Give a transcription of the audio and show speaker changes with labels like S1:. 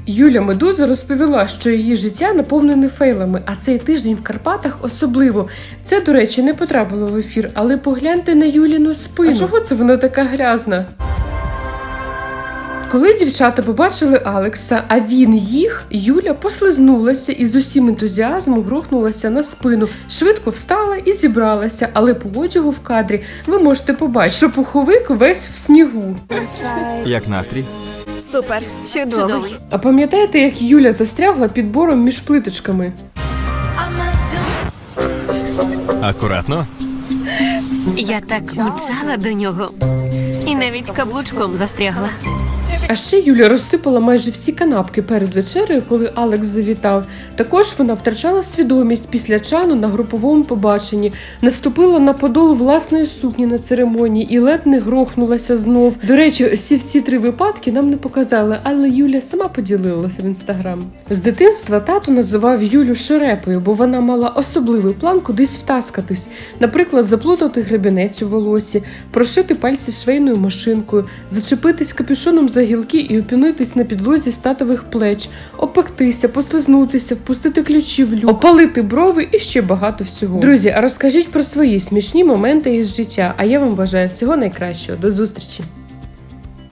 S1: Юля Медуза розповіла, що її життя наповнене фейлами, а цей тиждень в Карпатах особливо. Це, до речі, не потрапило в ефір, але погляньте на Юліну спину. А чого це вона така грязна? Коли дівчата побачили Алекса, а він їх, Юля послизнулася і з усім ентузіазмом грохнулася на спину. Швидко встала і зібралася, але по одягу в кадрі ви можете побачити, що пуховик весь в снігу.
S2: Як настрій?
S3: Супер, чудовий.
S1: А пам'ятаєте, як Юля застрягла під бором між плиточками?
S2: Акуратно.
S3: Я так мчала до нього. І навіть каблучком застрягла.
S1: А ще Юля розсипала майже всі канапки перед вечерею, коли Алекс завітав. Також вона втрачала свідомість після чану на груповому побаченні, наступила на подол власної сукні на церемонії і ледь не грохнулася знов. До речі, всі 3 випадки нам не показали, але Юля сама поділилася в інстаграм. З дитинства тато називав Юлю шерепою, бо вона мала особливий план кудись втаскатись. Наприклад, заплутати гребінець у волосі, прошити пальці швейною машинкою, зачепитись капюшоном за гілки і опинитись на підлозі з татових плеч, опектися, послизнутися, впустити ключі в люк, опалити брови і ще багато всього. Друзі, а розкажіть про свої смішні моменти із життя, а я вам бажаю всього найкращого. До зустрічі!